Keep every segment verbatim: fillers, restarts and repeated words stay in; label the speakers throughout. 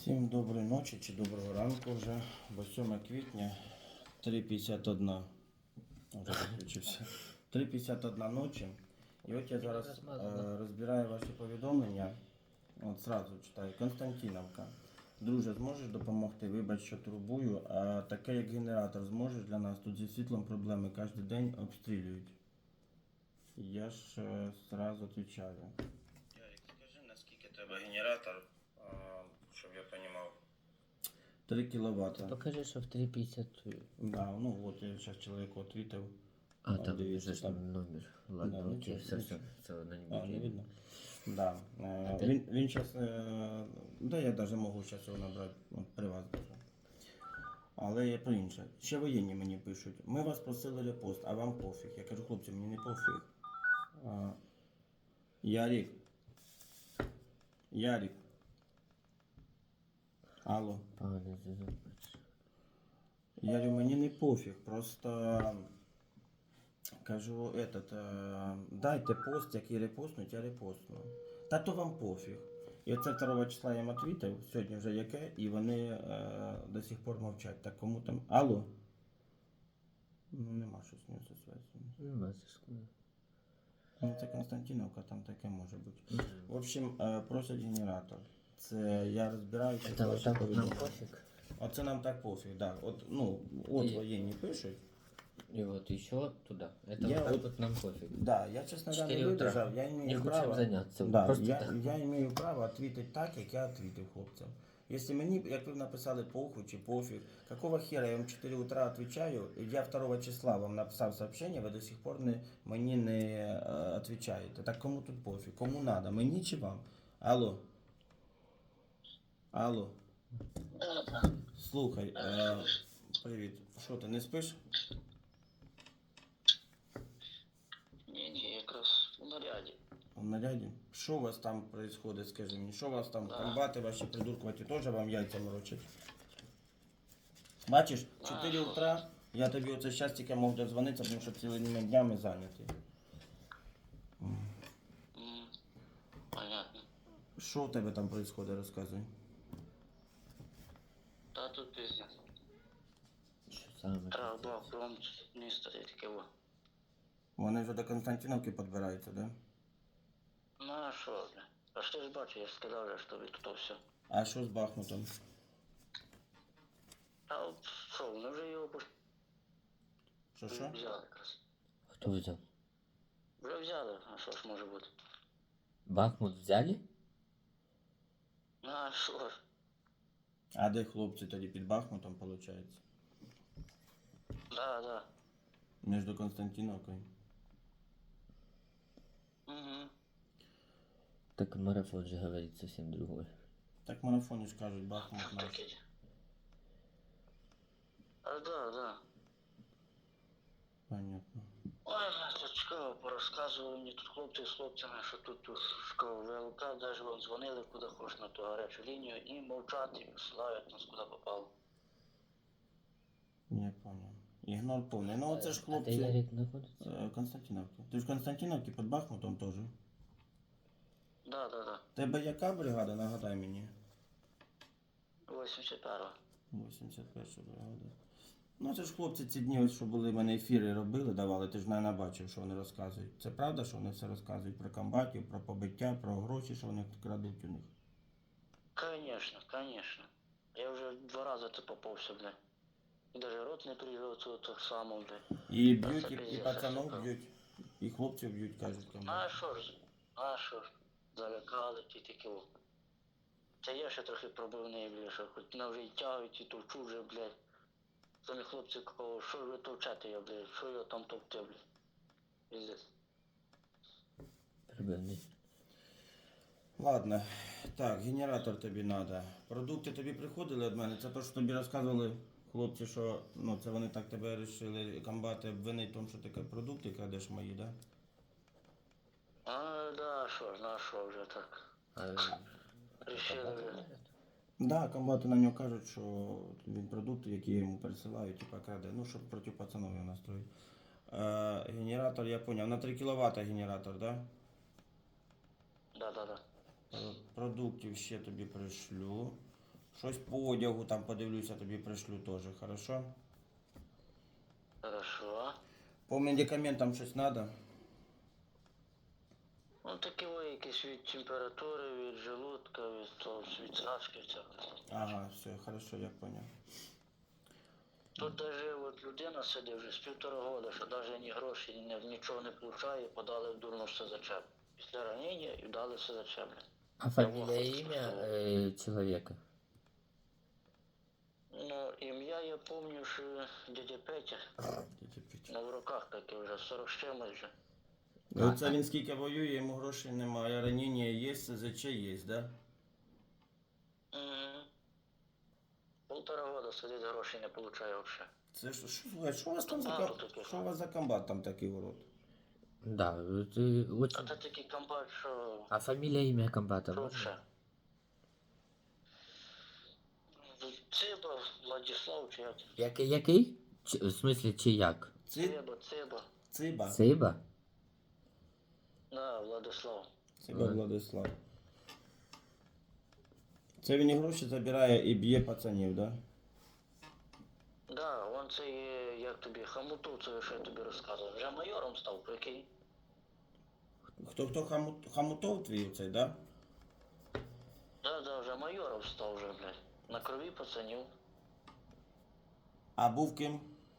Speaker 1: Всім доброї ночі чи доброго ранку вже, бо сьоме квітня, три п'ятдесят один, вже виключився, три п'ятдесят один ночі. І от я зараз е, розбираю ваші повідомлення, от зразу читаю. Константиновка. Друже, зможеш допомогти? Вибач, що турбую, а таке як генератор зможеш для нас? Тут зі світлом проблеми, кожен день обстрілюють. Я ж е, зразу відповідаю. Ярик, скажи, наскільки треба генератор? Щоб я понимал. три киловатта.
Speaker 2: Покажи, що в три п'ятдесят.
Speaker 1: Да, ну вот я сейчас человеку ответил.
Speaker 2: А, там
Speaker 1: дивіться,
Speaker 2: же ж
Speaker 1: там.
Speaker 2: номер. Ладно,
Speaker 1: Да,
Speaker 2: окей,
Speaker 1: нічого,
Speaker 2: все, все,
Speaker 1: нічого.
Speaker 2: все, одно не
Speaker 1: А, не
Speaker 2: буде.
Speaker 1: видно? Да. Е,
Speaker 2: А ти?
Speaker 1: він, він сейчас, е, да я даже можу зараз його набрати, от, при вас даже. Але я про інше. Ще воєнні мені пишуть. Ми вас просили репост, а вам пофіг. Я кажу, хлопці, мені не пофіг. А, Ярик. Ярик. Алло.
Speaker 2: Пане зв'язок.
Speaker 1: Я говорю, мені не пофіг, просто кажу, этот, е, дайте пост, який репостнуть, я репостну. Та то вам пофіг. І оце другого числа я їм відповів, сьогодні вже яке, і вони е, до сих пор мовчать. Так кому там. Алло? Ну нема щось з нього зі зв'язку.
Speaker 2: Нема зв'язку.
Speaker 1: Ну це Константиновка, там таке може бути. В общем, е, просять генератор. Це я розбираюся.
Speaker 2: Це
Speaker 1: ваші
Speaker 2: отак от нам
Speaker 1: повідомлення.
Speaker 2: пофіг.
Speaker 1: Оце нам так пофіг, да. От, ну, от
Speaker 2: І-
Speaker 1: воєнні пишуть.
Speaker 2: И вот еще туда. Это
Speaker 1: Я
Speaker 2: вот так
Speaker 1: вот-
Speaker 2: вот нам пофиг.
Speaker 1: Да, я, честно говоря, не
Speaker 2: Четыре утра.
Speaker 1: выдержал, я
Speaker 2: Не
Speaker 1: имею
Speaker 2: хочем
Speaker 1: право,
Speaker 2: заняться.
Speaker 1: да,
Speaker 2: Просто
Speaker 1: я,
Speaker 2: так.
Speaker 1: я имею право ответить так, як я ответив хлопцям. Если мені, як ви написали похуй чи пофіг, какого хера я вам чотири утра отвечаю, і я другого числа вам написав сообщение, ви до сих пор не, мені не е, отвечаєте. Так кому тут пофіг? Кому надо? Мені чи вам? Алло? Алло? Слухай, е, привіт. Що ти, не спиш?
Speaker 3: Ні, ні, якраз у наряді.
Speaker 1: В наряді? Що у вас там происходит, скажи мені? Що у вас там, комбати ваші придуркуваті теж вам яйця морочать? Бачиш, чотири утра, я тобі оце щас тільки мог дозвонитися, тому що цілими днями зайнятий.
Speaker 3: М, Понятно.
Speaker 1: Що у тебе там происходит, розказуй.
Speaker 3: Та тут пиздец.
Speaker 2: Що саме?
Speaker 3: Треба було фронт міста і таке во.
Speaker 1: Вони вже до Константиновки підбираються, да?
Speaker 3: Ну а що, бля? А ж ти ж бачиш, я ж сказав, вже, що від то все.
Speaker 1: А що з Бахмутом?
Speaker 3: А от що, вони вже його пош-
Speaker 1: Що що?
Speaker 3: взяли якраз.
Speaker 2: Хто взяв?
Speaker 3: Вже взяли, а що ж може бути?
Speaker 2: Бахмут взяли?
Speaker 3: Ну а що ж?
Speaker 1: А де хлопці тоді під Бахмутом, виходить?
Speaker 3: Да, да.
Speaker 1: Між Константиновкою.
Speaker 3: Угу.
Speaker 2: Так марафон же говорит совсем другой.
Speaker 1: Так в марафоні ж кажуть, Бахмут наш.
Speaker 3: Таке. А да, да.
Speaker 1: Понятно.
Speaker 3: Ой, тут цікаво, порозказували мені тут хлопці з хлопцями, що тут тут школа ВЛК, навіть вам дзвонили куди хоч на ту гарячу лінію і мовчать, і посилають нас куди попало.
Speaker 1: Я понял. Ігнор повний. Ну оце ж
Speaker 2: А де
Speaker 1: хлопці.
Speaker 2: Ярик знаходиться?
Speaker 1: Е, Константиновки. Ти ж в Константиновці під Бахмутом теж.
Speaker 3: Да, да, да.
Speaker 1: Тебе яка бригада, нагадай мені?
Speaker 3: вісімдесят перша.
Speaker 1: вісімдесят перша бригада. Ну це ж хлопці ці дні, ось, що були, в мене ефіри робили, давали, ти ж навіть бачив, що вони розказують. Це правда, що вони все розказують про комбатів, про побиття, про гроші, що вони крадуть у них?
Speaker 3: Конечно, конечно. Я вже два рази це попався, бля. І даже рот не привів цього так само, бля.
Speaker 1: І
Speaker 3: Та
Speaker 1: б'ють,
Speaker 3: це
Speaker 1: і, і
Speaker 3: пиздец,
Speaker 1: пацанов
Speaker 3: це
Speaker 1: б'ють, і хлопців б'ють, кажуть
Speaker 3: А
Speaker 1: комбати.
Speaker 3: що ж, а що ж, залякали ті такі о. Це я ще трохи пробивний, бля, що хоч на вже й тягують і товчу вже, блядь. Самі хлопці кого, що ж ви товчете я, блядь, що я там товчу, блядь. Пиздец.
Speaker 2: Прибивний.
Speaker 1: Ладно, так, генератор тобі треба. Продукти тобі приходили від мене. Це те, що тобі розказували хлопці, що ну, це вони так тебе вирішили комбати обвинити в тому, що ти продукти крадеш мої, да?
Speaker 3: А, да, що ж, на що вже так.
Speaker 2: А
Speaker 3: Рішили вже.
Speaker 1: Да, комбати на нього кажуть, що він продукти, які я йому пересилаю, типа краде. Ну, щоб проти пацанов його настроїть. Е, генератор, я поняв, на три кіловата генератор, да?
Speaker 3: Да, да, да.
Speaker 1: Продуктів ще тобі пришлю. Щось по одягу там подивлюся, тобі пришлю теж, хорошо?
Speaker 3: Хорошо.
Speaker 1: По медикаментам щось треба?
Speaker 3: Ну такі ви якісь від температури, від желудка, від того, від срачки всякого.
Speaker 1: Ага, все, хорошо, я понял.
Speaker 3: Тут даже от людина сидить вже з півтора года, що навіть ні гроші, ні, нічого не получає, подали в дурну все зачеп. Після ранення і дали все зачеп.
Speaker 2: А фамилия и имя э, человека?
Speaker 3: Ну, ім'я я пам'ятаю, що дядя Петя,
Speaker 1: Тільки пить.
Speaker 3: на в руках таке вже, сорок з чимось вже.
Speaker 1: Ну, Оце він скільки воює, йому грошей немає, ранення є, СЗЧ є, да?
Speaker 3: Угу. Полтора года сидить, грошей не получає взагалі.
Speaker 1: Це що, що, слухай, що у вас там за,
Speaker 3: А,
Speaker 1: ком-
Speaker 3: тут таке.
Speaker 1: що у вас за комбат там такий урод?
Speaker 2: Да, ты
Speaker 3: А
Speaker 2: очень...
Speaker 3: це такий комбат, що
Speaker 2: А фамилия, имя комбата можно?
Speaker 3: лучше. Циба, Владислав, чи як?
Speaker 2: Який? Який? Чи, в смысле, чи як?
Speaker 1: Ци...
Speaker 3: Циба, Циба.
Speaker 1: Циба.
Speaker 2: Циба?
Speaker 3: Да, Владислав.
Speaker 1: Циба
Speaker 2: Ага.
Speaker 1: Владислав. Це він і гроші забирає і б'є пацанів, да?
Speaker 3: Да, он це є, як тобі, хамуту, це що я тобі розказував. Вже майором став, прикинь.
Speaker 1: Хто хто хамут, хамутов твій цей, да?
Speaker 3: Да, да, вже майором став вже, блядь. На крові пацанів.
Speaker 1: А був ким?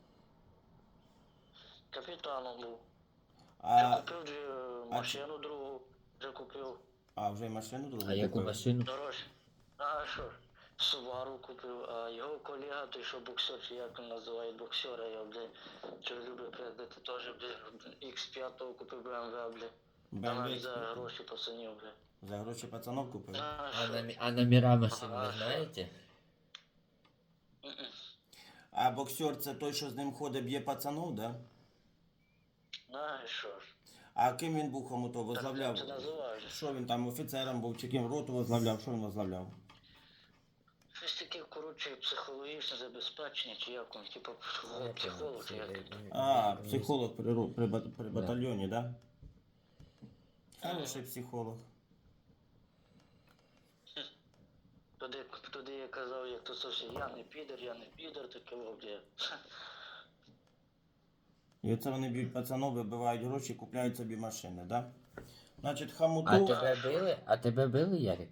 Speaker 3: Капітаном був. Я
Speaker 1: А,
Speaker 3: купив дві, е, машину другу, вже купив.
Speaker 1: а вже й машину другу
Speaker 2: А яку
Speaker 1: купив?
Speaker 2: машину?
Speaker 3: Дорожче. А що ж, Субару купив, а його колега, той, що боксер, чи як він називає боксера, я, блядь, що любить пиздити, теж, блядь, ікс п'ять купив бе ем ве, блядь. Та навіть за
Speaker 1: бе ем ве
Speaker 3: гроші пацанів, блядь.
Speaker 1: за гроші пацанов купив?
Speaker 3: А,
Speaker 2: А,
Speaker 3: що?
Speaker 2: номи- а номера машин
Speaker 3: Ага,
Speaker 2: вы
Speaker 3: що?
Speaker 2: знаете?
Speaker 3: Мгм.
Speaker 1: А боксер це той, що з ним ходить, б'є пацанов, да?
Speaker 3: А, і що ж.
Speaker 1: А ким він був хамутов?
Speaker 3: Так
Speaker 1: Возглавляв?
Speaker 3: це називаєш.
Speaker 1: Що він там, офіцером був, чи ким роту возглавляв? Що він возглавляв?
Speaker 3: Щось таке, коротше, психологічне забезпечення, чи як він, типу,
Speaker 2: Я
Speaker 3: психолог, чи як.
Speaker 1: А, психолог при, ру- при, бат- при
Speaker 2: Да.
Speaker 1: батальйоні, да? Хороший психолог.
Speaker 3: Туди, туди я казав, як то зовсім, я не підер, я не підер, таке блядь.
Speaker 1: І оце вони б'ють пацанов, вибивають гроші, купляють собі машини, да? Значить,
Speaker 2: А
Speaker 1: хамутов...
Speaker 2: тебе били? А тебе били, Ярик?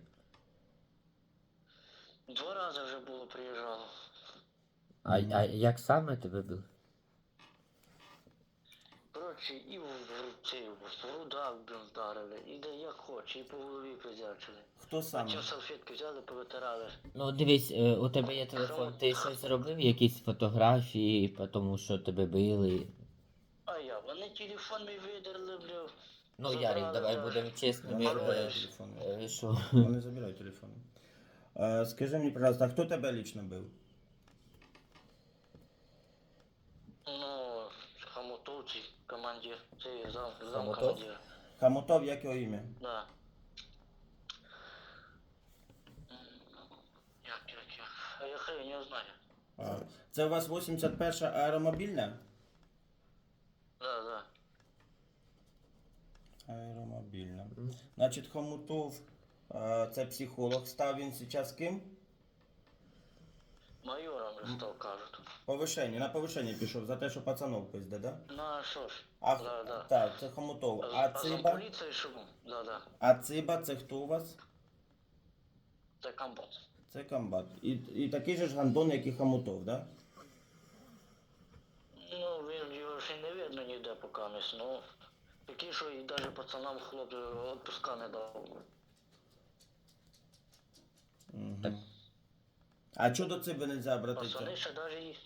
Speaker 3: Два рази вже було, приїжджало.
Speaker 2: А, а як саме тебе били?
Speaker 3: Коротше, і в, в, цей, в рудах, блін, вдарили, і де як хоче, і по голові призячили.
Speaker 1: Хто
Speaker 3: А
Speaker 1: саме?
Speaker 3: ті салфетки взяли, повитирали.
Speaker 2: Ну дивись, е, у тебе є телефон, ти щось зробив, якісь фотографії, по тому що тебе били.
Speaker 3: А я, вони телефон мій видерли, бля.
Speaker 2: Ну,
Speaker 3: Забрали,
Speaker 2: Ярик, давай
Speaker 3: да.
Speaker 2: будемо чесними.
Speaker 1: Вони
Speaker 2: е,
Speaker 1: забирають телефони.
Speaker 2: е, Що?
Speaker 1: Вони забирають телефони. Е, скажи мені, пожалуйста, а хто тебе лично бив?
Speaker 3: Ну, хамутовці, командир, це зам, зам
Speaker 2: Хамутов?
Speaker 3: командир.
Speaker 1: Хамутов, як його ім'я?
Speaker 3: Да. М, Як, як, як? А я хай не знаю.
Speaker 1: А, це у вас вісімдесят перша аеромобільна?
Speaker 3: Да, да.
Speaker 1: Аеромобільна. Значить, Хомутов, е, це психолог, став він зараз ким?
Speaker 3: Майором вже став, кажуть.
Speaker 1: Повишення, на повишення пішов за те, що пацанов пизде, да?
Speaker 3: Ну, а що ж?
Speaker 1: А,
Speaker 3: Да, да.
Speaker 1: Так, це Хомутов. А
Speaker 3: А за
Speaker 1: Циба?
Speaker 3: поліцію що був? Да, да.
Speaker 1: А Циба це хто у вас?
Speaker 3: Це комбат.
Speaker 1: Це комбат. І, і такий же ж гандон, як і Хомутов, да?
Speaker 3: Ну, він його ще й не видно ніде поки не ну. Такий, що і навіть пацанам хлоп відпуска не дав.
Speaker 1: Угу. А чого до Циби не можна обратитися?
Speaker 3: Пацани ще навіть їх.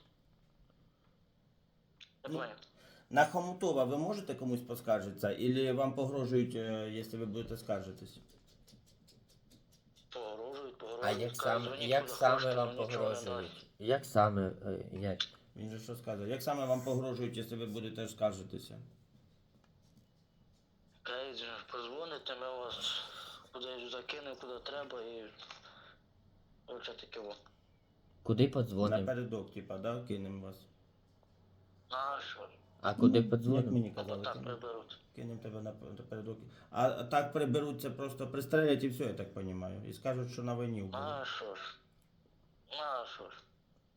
Speaker 3: Я
Speaker 1: Ну,
Speaker 3: понял.
Speaker 1: На Хомутова ви можете комусь поскаржитися? Или вам погрожують, е, якщо ви будете скаржитись?
Speaker 3: Погрожують, погрожують.
Speaker 2: А як
Speaker 3: кажуть,
Speaker 2: саме,
Speaker 3: дзвоніть
Speaker 2: як
Speaker 3: куди
Speaker 2: саме
Speaker 3: хочете,
Speaker 2: вам
Speaker 3: ну, нічого не
Speaker 2: погрожують?
Speaker 3: дасть.
Speaker 2: Як саме, е, як?
Speaker 1: Він же що сказав? Як саме вам погрожують, якщо ви будете скаржитися?
Speaker 3: Кажуть, позвоните, ми вас кудись закинемо, куди треба і... Оце таке во.
Speaker 2: Куди подзвонимо?
Speaker 1: Напередок, типа, да, кинемо вас.
Speaker 3: А що?
Speaker 2: А куди
Speaker 1: Як
Speaker 2: подзвонимо?
Speaker 1: мені
Speaker 3: Або
Speaker 1: казали,
Speaker 3: так
Speaker 1: кинемо,
Speaker 3: приберуть.
Speaker 1: кинемо тебе нап- напередок. А так приберуть, це просто пристрелять і все, я так розумію. І скажуть, що на війні вбили.
Speaker 3: А що ж? Ну, а що ж.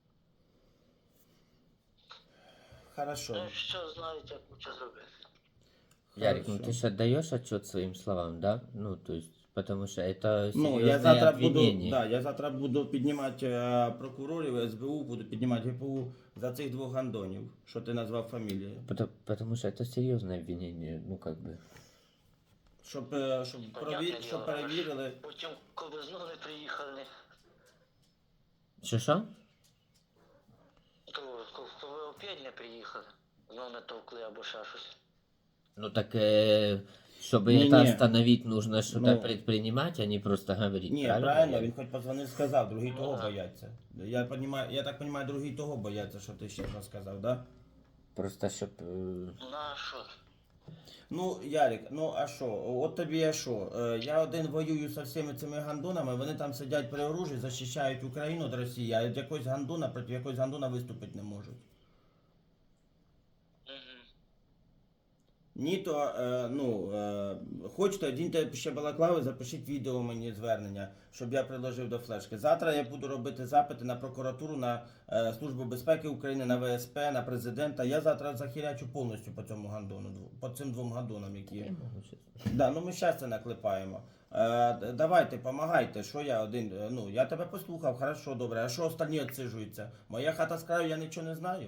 Speaker 1: Хорошо.
Speaker 3: Ну, що знають, як лучше зробити.
Speaker 2: Ярик, ну
Speaker 1: Хорошо.
Speaker 2: ты же отдаешь отчет своим словам, да? Ну, то есть, потому что это
Speaker 1: Ну, я
Speaker 2: серьезное
Speaker 1: завтра буду,
Speaker 2: обвинение.
Speaker 1: да, я завтра буду піднімати е, прокурорів, ес бе у, буду піднімати ге пе у за цих двох гандонів, що ти назвав фамілії.
Speaker 2: Потому, потому что это серьезное обвинение, ну как бы.
Speaker 1: Щоб, е, щоб,
Speaker 3: Понятне
Speaker 1: прові...
Speaker 3: діло,
Speaker 1: щоб
Speaker 3: але ж
Speaker 1: перевірили.
Speaker 3: Потім, коли знову не приїхали,
Speaker 2: Что что?
Speaker 3: то ко- коли опять не приїхали, знову не товкли або ще щось.
Speaker 2: Ну так, э, чтобы
Speaker 1: Не-не.
Speaker 2: это остановить, нужно что-то
Speaker 1: Ну.
Speaker 2: предпринимать, а не просто говорить.
Speaker 1: Ні,
Speaker 2: правильно?
Speaker 1: правильно,
Speaker 2: Ярик?
Speaker 1: він хоч позвонив, сказав, другий того
Speaker 3: Да.
Speaker 1: бояться. Я, понімаю, я так розумію, другий того бояться, що ти ще розказав, да?
Speaker 2: Просто щоб. е,
Speaker 3: Ну, а що?
Speaker 1: Ну, Ярик, ну а що? От тобі я що? Е, Я один воюю з всіми цими гандонами, вони там сидять при оружі, захищають Україну від Росії, а від якогось гандона проти якогось гандона виступити не можуть.
Speaker 3: Угу.
Speaker 1: Ні, то, е, ну, е, хочете, одіньте ще балаклави, запишіть відео мені звернення, щоб я приложив до флешки. Завтра я буду робити запити на прокуратуру, на е, Службу безпеки України, на ве ес пе, на президента. Я завтра захирячу повністю по цьому гандону, дв- по цим двом гандонам, які є.
Speaker 2: я можу щас.
Speaker 1: Да, ну ми щас це наклепаємо. Е, д- давайте, помагайте, що я один, е, ну, я тебе послухав, хорошо, добре, а що останні відсиджуються? Моя хата з краю, я нічого не знаю.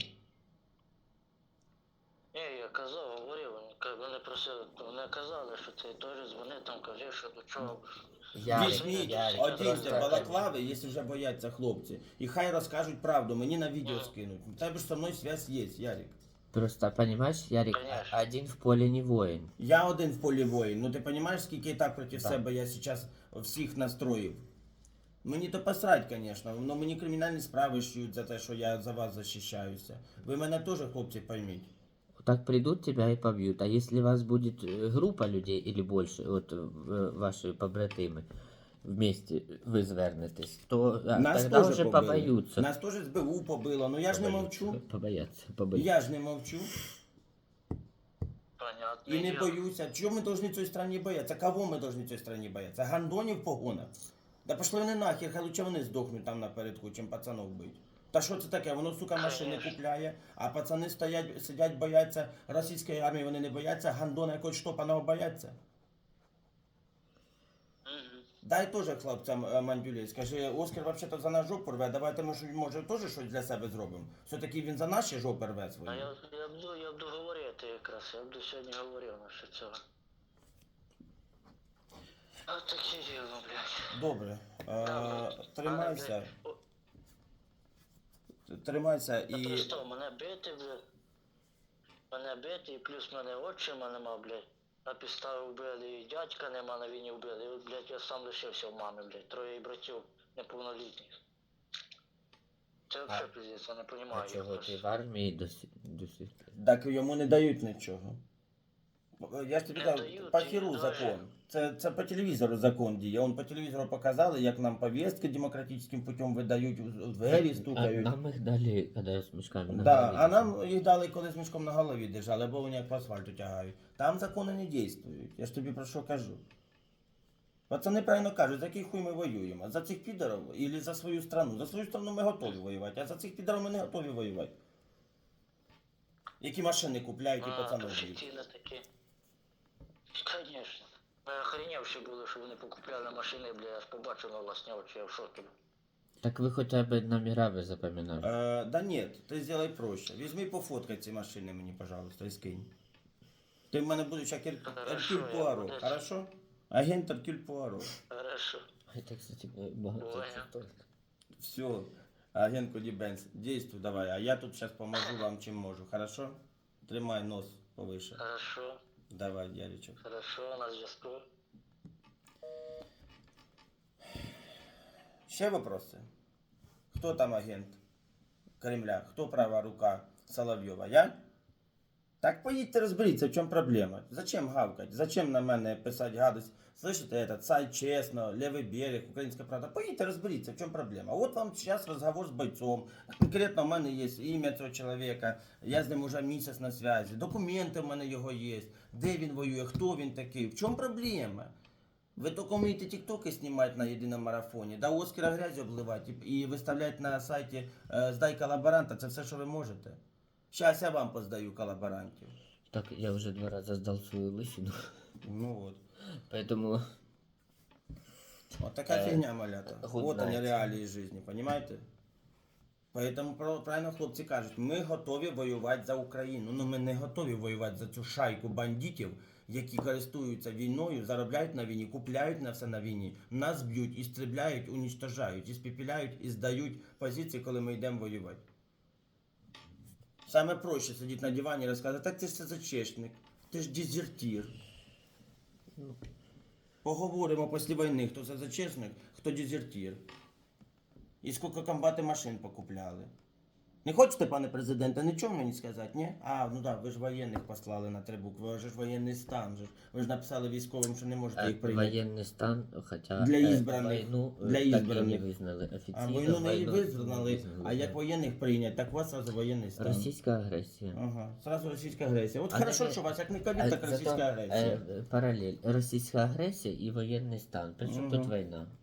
Speaker 3: Ні, я казав, говорив, вони ка- вони просили, вони казали, що ти теж дзвони там, кажи, що до чого.
Speaker 2: Ярик,
Speaker 1: Візьміть,
Speaker 2: Ярик,
Speaker 1: одіньте
Speaker 2: просто-
Speaker 1: балаклави, якщо вже бояться хлопці, і хай розкажуть правду, мені на відео
Speaker 3: Мгм.
Speaker 1: скинуть. У тебе ж со мною зв'язь є, Ярик.
Speaker 2: Просто, понимаешь, Ярик,
Speaker 3: Конечно.
Speaker 2: один в поле не воин.
Speaker 1: Я один в полі воїн, ну ти розумієш, скільки і так проти
Speaker 2: Да.
Speaker 1: себе я зараз всіх настроїв. Мені то посрать, звісно, але мені кримінальні справи шьють за те, що я за вас захищаюся. Ви мене теж, хлопці, пойміть.
Speaker 2: Вот так придут тебя и побьют. А если вас будет э, группа людей или больше, вот э, ваши побратимы, вместе вы звернетесь, то а,
Speaker 1: Нас
Speaker 2: тогда
Speaker 1: теж
Speaker 2: уже
Speaker 1: побили.
Speaker 2: побоются.
Speaker 1: Нас теж з бе у побило, ну я ж не мовчу.
Speaker 2: Побоятся, побоятся.
Speaker 1: Я ж не мовчу.
Speaker 3: Понятно.
Speaker 1: І не боюся. Чого ми повинні цій страні боятися? Кого ми повинні цій страні боятися? Гандонів в погонах? Да пошли вони нахер, хай лучше вони здохнуть там напередку, чим пацанов бить. Та що це таке? Воно, сука, машини
Speaker 3: Конечно.
Speaker 1: купляє, а пацани стоять, сидять, бояться російської армії, вони не бояться, гандона якогось штопаного бояться.
Speaker 3: Угу.
Speaker 1: Дай теж хлопцям е, мандюлей, скажи, Оскар взагалі-то за наш жопу рве, давайте ми, щось- може теж щось для себе зробимо. Все-таки він за наші жопи рве
Speaker 3: А
Speaker 1: свої.
Speaker 3: я, я буду, я буду говорити якраз, я буду сьогодні говорив насчет цього. А таке діло, блядь.
Speaker 1: Добре. Е,
Speaker 3: Та, ну,
Speaker 1: тримайся,
Speaker 3: мене, блядь, о,
Speaker 1: тримайся
Speaker 3: Та
Speaker 1: і...
Speaker 3: просто мене бити, блядь. Мене бити, і плюс мене отчима нема, блядь. На підставі вбили, і дядька нема, на війні вбили. І от, блядь, я сам лишився в мами, блядь. Троє братів неповнолітніх. Це взагалі пиздець, я не
Speaker 2: А
Speaker 3: розумію.
Speaker 2: чого ти в армії до, сі- до сих пір?
Speaker 1: Так йому не дають нічого. Я ж тобі
Speaker 3: Не
Speaker 1: кажу,
Speaker 3: дають,
Speaker 1: по
Speaker 3: і
Speaker 1: хіру
Speaker 3: даже-
Speaker 1: закон. Це, це по телевізору закон діє. Он по телевізору показали, як нам повістки демократичним путем видають, в двері
Speaker 2: А
Speaker 1: стукають.
Speaker 2: нам їх дали, коли з мішками на
Speaker 1: Да,
Speaker 2: голові
Speaker 1: а
Speaker 2: держали.
Speaker 1: нам їх дали, коли з мішком на голові держали, або вони як по асфальту тягають. Там закони не дійствують. Я ж тобі про що кажу. Пацани правильно кажуть, за який хуй ми воюємо? За цих підарів або за свою страну? За свою страну ми готові воювати, а за цих підарів ми не готові воювати. Які машини купляють і
Speaker 3: А,
Speaker 1: пацани б'ють.
Speaker 3: офіційно такі. Конечно. Ми охренівші були, що вони покупляли машини, бля, я ж побачив на власні очі, я в шокі.
Speaker 2: Так ви хоча б номера ви запам'ятали.
Speaker 1: Э, да нет, ты сделай проще. Візьми пофоткай ці машини мені, пожалуйста, і скинь. Ти в мене будеш як Ер-
Speaker 3: Хорошо,
Speaker 1: Еркюль
Speaker 3: я
Speaker 1: Пуаро,
Speaker 3: буду.
Speaker 1: хорошо? Агент Еркюль Пуаро.
Speaker 3: Хорошо.
Speaker 2: Это, кстати, багато
Speaker 3: Понял.
Speaker 2: це стоїть.
Speaker 1: Все, агент Коді Бенц, действуй давай, а я тут сейчас поможу вам чим можу, хорошо? Тримай нос повыше.
Speaker 3: Хорошо.
Speaker 1: Давай, Яричок.
Speaker 3: Хорошо, на зв'язку.
Speaker 1: Ще вопроси? Хто там агент Кремля? Хто права рука Соловйова? Я? Так поїдьте розберіться, в чому проблема. Зачем гавкать? Зачем на мене писати гадость? Слышите, этот сайт чесно, левий берег, українська правда. Поїдьте розберіться, в чому проблема. От вам зараз розговор з бойцом. Конкретно в мене є ім'я цього чоловіка, я з ним уже місяць на зв'язі. Документи в мене його є. Де він воює, хто він такий, в чому проблема? Ви тільки вмієте тіктоки знімати на єдиному марафоні, да Оскара грязь обливати і, і виставляти на сайті е, «Здай колаборанта», це все, що ви можете. Щас я вам поздаю колаборантів.
Speaker 2: Так, я уже два раза сдал свою лысину,
Speaker 1: Ну от.
Speaker 2: поэтому...
Speaker 1: Вот такая
Speaker 2: Э,
Speaker 1: фигня, малята.
Speaker 2: good
Speaker 1: Вот они
Speaker 2: night.
Speaker 1: реалії жизни, понимаете? Поэтому про- правильно хлопці кажуть, ми готові воювати за Україну. Ну ми не готові воювати за цю шайку бандитів, які користуються війною, заробляють на війні, купляють на все на війні, нас б'ють, істребляють, унічтожають, іспепеляють і здають позиції, коли ми йдемо воювати. Саме проще сидіти на дивані і розказувати, так ти ж СЗЧшник, ти ж дезертир. Поговоримо після війни, хто СЗЧшник, хто дезертир. І скільки комбати машин покупляли. Не хочете, пане президенте, нічого мені сказати, ні? А, ну так, ви ж воєнних послали на три букви, ви ж воєнний стан. же ж. Ви ж написали військовим, що не можете
Speaker 2: Э,
Speaker 1: їх прийняти.
Speaker 2: военный стан, хотя
Speaker 1: Для
Speaker 2: э,
Speaker 1: избранных.
Speaker 2: войну э,
Speaker 1: Для
Speaker 2: так и не
Speaker 1: избранных.
Speaker 2: визнали
Speaker 1: А
Speaker 2: офіційно.
Speaker 1: війну не
Speaker 2: войну
Speaker 1: визнали,
Speaker 2: визнали,
Speaker 1: а як
Speaker 2: да.
Speaker 1: воєнних прийняти, так у вас сразу воєнний стан.
Speaker 2: Російська агресія.
Speaker 1: Ага, сразу російська агресія. От
Speaker 2: А
Speaker 1: хорошо,
Speaker 2: не-
Speaker 1: що у вас як не
Speaker 2: А
Speaker 1: ковід, так
Speaker 2: зато,
Speaker 1: російська агресія.
Speaker 2: э, паралель. Російська агресія і воєнний стан. Причому
Speaker 1: Мгм.
Speaker 2: тут війна?